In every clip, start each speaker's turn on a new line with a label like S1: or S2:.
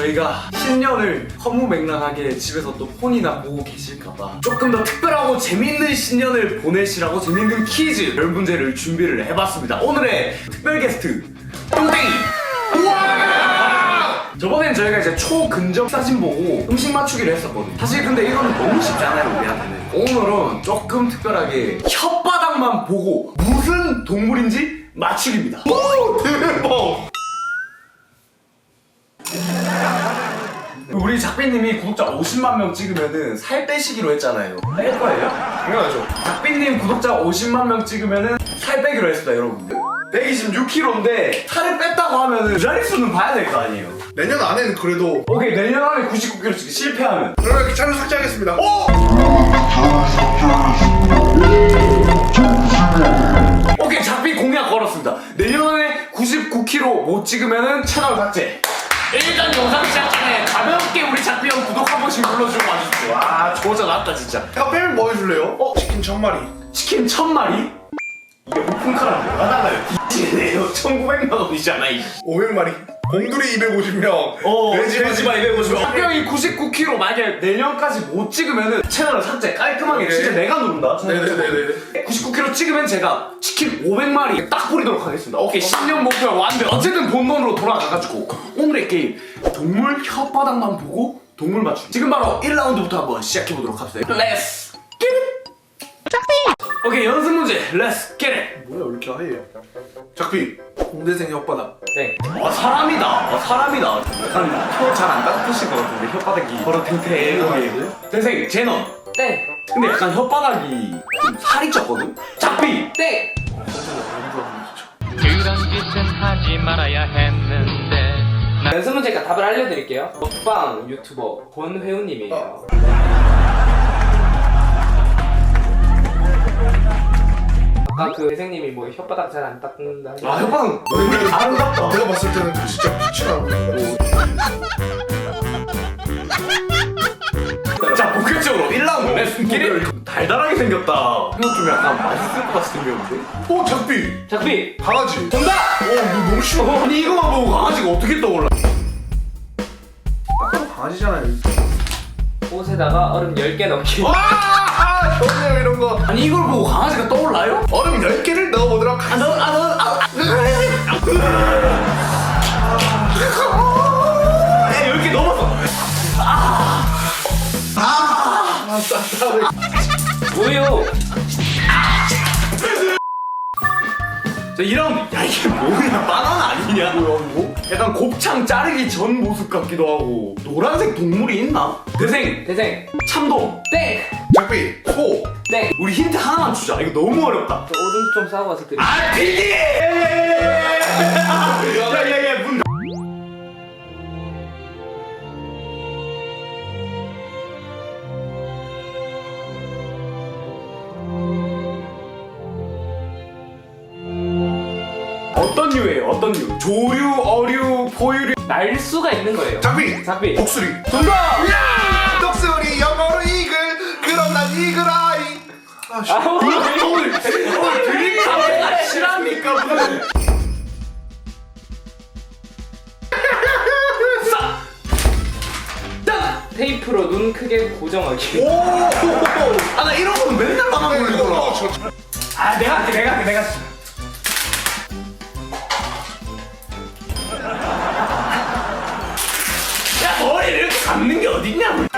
S1: 저희가 신년을 허무맹랑하게 집에서 또 폰이나 보고 계실까봐 조금 더 특별하고 재밌는 신년을 보내시라고 재밌는 퀴즈 별 문제를 준비를 해봤습니다. 오늘의 특별 게스트 똥땡이. 우와! 저번엔 저희가 이제 초근접 사진 보고 음식 맞추기를 했었거든요. 사실 근데 이거는 너무 쉽잖아요, 우리한테는. 오늘은 조금 특별하게 혓바닥만 보고 무슨 동물인지 맞추기입니다. 오, 대박! 우리 작비님이 구독자 50만 명 찍으면은 살 빼시기로 했잖아요. 뺄 거예요? 당연하죠. 작비님 구독자 50만 명 찍으면은 살 빼기로 했습니다, 여러분들. 126kg인데 살을 뺐다고 하면은 그 자릿수는 봐야 될 거 아니에요.
S2: 내년 안에는 그래도
S1: 오케이, 내년 안에 99kg 찍기 실패하면
S2: 그러면 촬영 삭제하겠습니다.
S1: 오! 오케이, 작비 공약 걸었습니다. 내년에 99kg 못 찍으면은 채널 삭제. 일단 영상 시작 전에 가볍게 우리 작비 형 구독 한 번씩 눌러주고 와주십시오. 아, 저자 났다 진짜.
S2: 야, 빼면 뭐 해줄래요? 치킨 1000마리.
S1: 치킨 1000마리? 이게 오픈카랑 뭐가 달라요? 이네요. 1900만 원이잖아.
S2: 500마리. 곰돌이 250명.
S1: 돼지바 250명. 작비 형이 99kg 만약에 내년까지 못 찍으면은 채널을 삭제 깔끔하게.
S2: 네.
S1: 진짜 내가 누른다.
S2: 네네네네.
S1: 99kg 찍으면 제가 치킨 500마리 딱 뿌리도록 하겠습니다. 오케이, 10년 목표 완벽. 어쨌든 본론으로 돌아가가지고 오늘의 게임 동물 혓바닥만 보고 동물 맞추기. 지금 바로 1라운드부터 한번 시작해보도록 합시다. Let's get it! 오케이, 연습 문제 Let's get it!
S2: 뭐야, 왜 이렇게 하얘요? 작비. 공대생 혓바닥.
S3: 네.
S1: 사람이다. 사람이다. 약간 혀 잘 안 닦으실 것 같은데 혓바닥이 바로 탱탱하게. 대생 제넌.
S3: 네.
S1: 근데 약간 혓바닥이 좀 살이 쪘거든? 작비!
S3: 네.
S4: 그런 짓은 하지 말아야 했는데
S3: 연습 문제니까 답을 알려드릴게요. 먹방 유튜버 권회우님이에요. 아까 그 대생님이 뭐 혓바닥 잘 안 닦는다.
S1: 아, 혓바닥 너무 아름답다.
S2: 내가 봤을 때는 진짜 빛이 나고.
S1: 자, 본격적으로 1라운드 렛츠 기릿. 달달하게 생겼다. 이거 좀 약간 맛있을 것 같이 생겼는데?
S2: 작비.
S3: 작비.
S2: 강아지.
S3: 정답.
S2: 너 너무 심하다.
S1: 아니, 이거만 보고 강아지가 어떻게 떠올라?
S2: 강아지잖아요.
S3: 옷에다가 얼음 10개 넣기.
S2: 좋네요, 이런 거.
S1: 아니, 이걸 보고 강아지가 떠올라요?
S2: 얼음 10개를 넣어보도록 하겠습니다.
S1: 네, 10개 넘었어.
S3: 우유.
S1: 자, 2라운드. 야, 이게 뭐야? 바나나 아니냐?
S2: 뭐야, 이거?
S1: 약간 곱창 자르기 전 모습 같기도 하고. 노란색 동물이 있나? 대생.
S3: 대생.
S1: 참돔.
S3: 땡.
S2: 작비. 소.
S3: 땡.
S1: 우리 힌트 하나만 주자. 이거 너무 어렵다.
S3: 저 오줌 좀 싸고 와서 드릴게요.
S1: 아, PD! 야야야, 문. 어떤 류예요? 어떤 류? 조류, 어류, 포유류.
S3: 날 수가 있는 거예요.
S2: 작비.
S3: 작비.
S2: 독수리.
S1: 정답!
S2: 야! 독수리 영어로 이글. 그럼 난 이글 아이.
S1: 오늘 드림 카메라가 실합니까? 무슨? 싸! 딱!
S3: 테이프로 눈 크게 고정하기.
S2: 오.
S1: 아, 나 이런 거는 맨날 망한 걸리더라. 아, 내가 할게. 야, 머리를 이렇게 감는 게 어딨냐?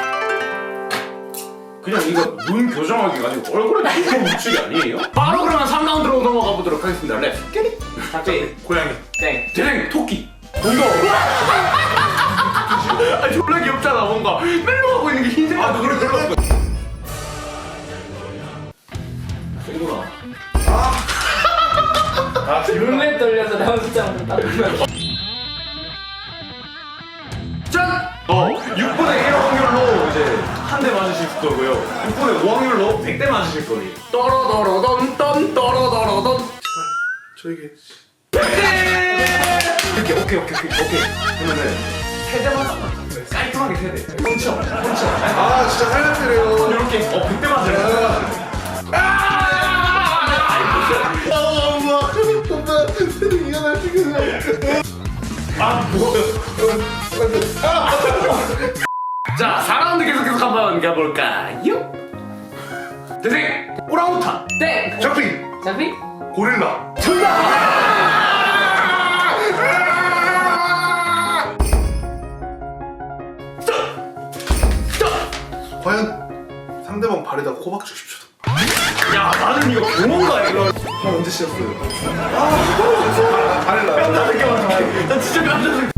S1: 그냥 이거 눈 교정하기 가지고 얼굴에 이거 묻히기 아니에요? 바로 그러면 3라운드로 넘어가 보도록 하겠습니다. 렛츠 겟잇!
S3: 작비.
S2: 고양이.
S3: 땡.
S1: 대생 토끼. 뭔가 아, 졸라 귀엽잖아. 뭔가 멜로 하고 있는 게 흰색. 아, 그래. 이거라.
S3: 눈에 떨려서 나온 숫자만 따르면.
S1: 짠! 6분의 1 확률로 이제 한 대 맞으실 거고요. 6분의 5 확률로 100대 맞으실 거예요. 떠러더러던 떤 떠러더러던.
S2: 저에게.
S1: 100대! 이렇게 오케이. 그러면은 3대 맞아. 깔끔하게 3대. 펀치업.
S2: 아, 진짜 살려드려요.
S1: 이렇게 100대 맞으래.
S2: 엄마, 이거 나 지금.
S1: 아, 뭐. 자 4라운드 계속 한번 가볼까요? 대생 오랑우탄.
S3: 땡.
S2: 작비
S3: 장비.
S2: 고릴라. 과연 상대방 발에다 코박 주십시오.
S1: 야 나는 이거 경험가 이거.
S2: 발 언제 씌었어요?
S1: 나 진짜 깜짝 놀랐어.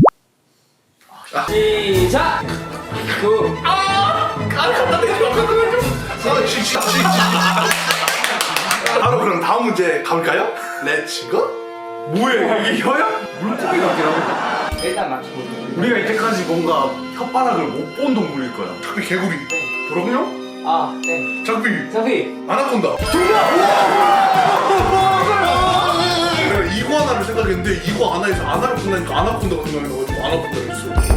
S3: 시작. 구.
S2: 바로 그럼 다음 문제 가볼까요? 렛츠고.
S1: 뭐야 이게 혀야? 물고기 같긴 하고.
S3: 일단 맞춰볼게요.
S1: 우리가 이때까지 뭔가 혓바닥을 못 본 동물일 거야.
S2: 작비 개구리.
S1: 그럼요?
S3: 아, 땡.
S2: 작비
S3: 장비.
S2: 아나콘다. 내가 이구아나를 생각했는데 이구아나에서 아나를 끝나니까 아나콘다가 생각이 나가지고 아나콘다를 했어.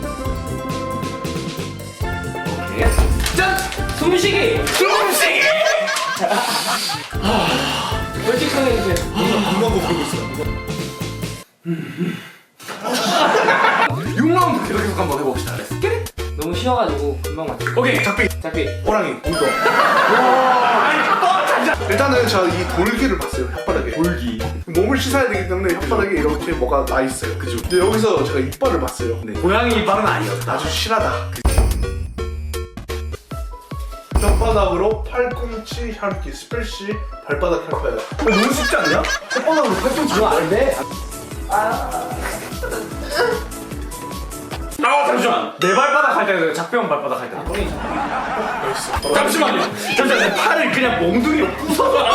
S3: 짠. 숨쉬기. 솔직하게 해주세요.
S2: 금방 부르고 있어.
S1: 6라운드 계속 한번 해봅시다. 렛츠 겟.
S3: 너무 쉬워가지고 금방 맞춰.
S1: 오케이.
S2: 작비
S3: 장비.
S2: 호랑이 운동. 일단은 저 이 돌기를 봤어요 혓바닥에.
S1: 돌기.
S2: 몸을 씻어야 되기 때문에 혓바닥에 이렇게 뭐가 나 있어요. 그죠? 근데 여기서 제가 이빨을 봤어요.
S1: 네. 고양이 이빨은 아니었다.
S2: 아주 실하다. 혓바닥으로 팔꿈치 핥기 스펠시 발바닥 핥아요.
S1: 너무 쉽지 않냐? 혓바닥으로 팔꿈치
S3: 이거 안 돼.
S1: 잠시만. 내 발바닥 할 때는 작병 발바닥 할 때.
S3: 형이
S1: 잠시만요. 내 팔을 그냥 몽둥이로 부숴봐.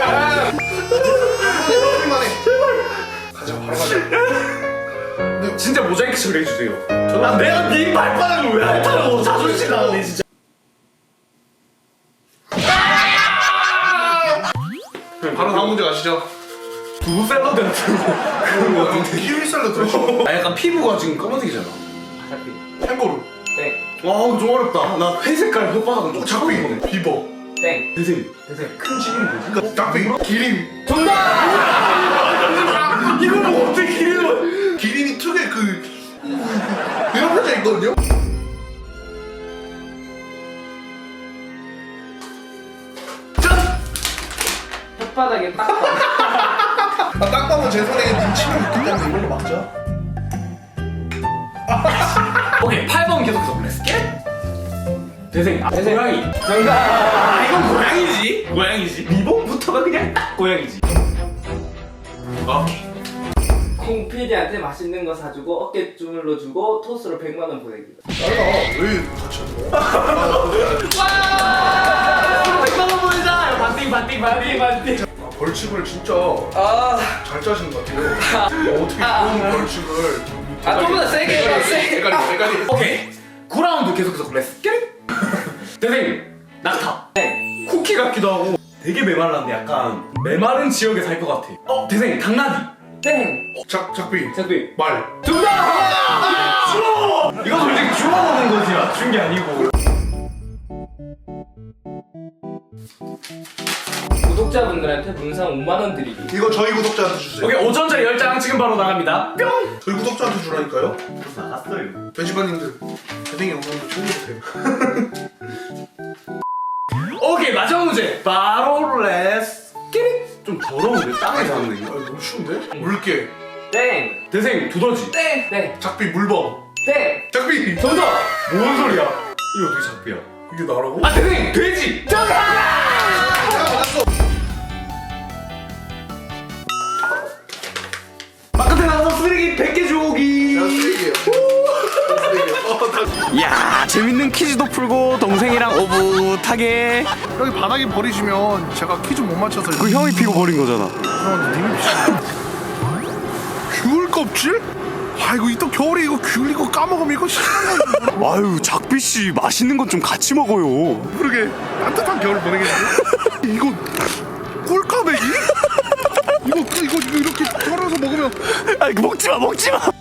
S2: 오랜만에 가자 바로 가자.
S1: 진짜 모자이크 처리 해주세요. 내가 네 발바닥을 왜 핥아요? 자존심 나가네 진짜.
S2: 바로 다음 문제 가시죠.
S1: 두부 샐러드 같은 거. 그런 거 같은데.
S2: 키위 샐러드.
S1: 아 약간 피부가 지금 검은색이잖아.
S3: 장비.
S2: 캥거루.
S3: 땡.
S1: 와 좀 어렵다. 나 회색깔 혓바닥은 좀
S2: 작비
S1: 처음 보네.
S2: 비버.
S3: 땡.
S1: 대생.
S3: 대생.
S1: 큰 질문 뭐지?
S2: 작비 기린.
S3: 정답.
S1: 이걸 뭐 어떻게 기르는 거야?
S2: 기린이 특유의 그 이런 표정 있거든요.
S3: 혓바닥에 딱 봐.
S2: 딱 봐도 제 손에 눈치가 있기 때문에 이걸로 막죠.
S1: 오케이 8번 계속해서 렛츠 겟. 대생.
S3: 대생.
S1: 고양이.
S3: 정답.
S1: 이건 고양이지. 고양이지. 리본부터가 그냥 딱 고양이지. 오케이.
S3: 콩 PD한테 맛있는 거 사주고 어깨 주물러 주고 토스로 100만 원 보내기.
S2: 왜 같이 하는 거야?
S3: 와! 100만 원 보내자. 반띵.
S2: 벌칙을 진짜
S3: 아.
S2: 잘 짜신 것 같아요. 어떻게 그런 벌칙을.
S3: 좀 더 세게 해봐. 세게.
S2: 헷갈리.
S1: 오케이 9라운드 계속해서 렛츠 겟. 대생. 낙타.
S3: 땡.
S1: 쿠키 같기도 하고 되게 메말랐는데 약간 메마른 지역에 살 것 같아. 대생. 당나귀.
S3: 땡.
S2: 작비
S3: 장비.
S2: 말.
S3: 정답.
S1: 주워. 이거 솔직히 주워 먹는 거지 맞춘 게 아니고.
S3: 구독자분들한테 문상 5만 원 드리기.
S2: 이거 저희 구독자한테 주세요.
S1: 오케이 5천짜리 10장 지금 바로 나갑니다. 뿅.
S2: 저희 구독자한테 주라니까요.
S1: 나갔어요.
S2: 배지관님들 대생이 영상도 챙겨주세요.
S1: 오케이 마지막 문제 바로 렛츠 겟. 좀 더러운데 땅에서 하는
S2: 아
S1: 거.
S2: 너무 쉬운데? 물개.
S3: 땡.
S1: 대생 두더지.
S3: 땡. 땡.
S2: 작비 물범.
S3: 땡.
S2: 작비.
S3: 정답.
S1: 뭔 소리야? 이거 어떻게 작비야?
S2: 이게 나라고?
S1: 아 대생 돼지. 정답.
S2: 맞았어.
S1: 바깥에 나가서 쓰레기 100개 주우기.
S2: 내가 쓰레기예요.
S1: 야 재밌는 퀴즈도 풀고 동생이랑 오붓하게.
S2: 여기 바닥에 버리시면 제가 퀴즈 못 맞춰서
S1: 그 형이 피고 버린 거잖아.
S2: 귤 껍질? 아이고 또 겨울에 이거 귤 이거 까먹으면 이거 싫은 거.
S1: 아유 작비 씨 맛있는 건 좀 같이 먹어요.
S2: 그러게 따뜻한 겨울 보내겠는데? 이거 꿀까베기? 이거 이렇게 썰어서 먹으면
S1: 아이 먹지 마.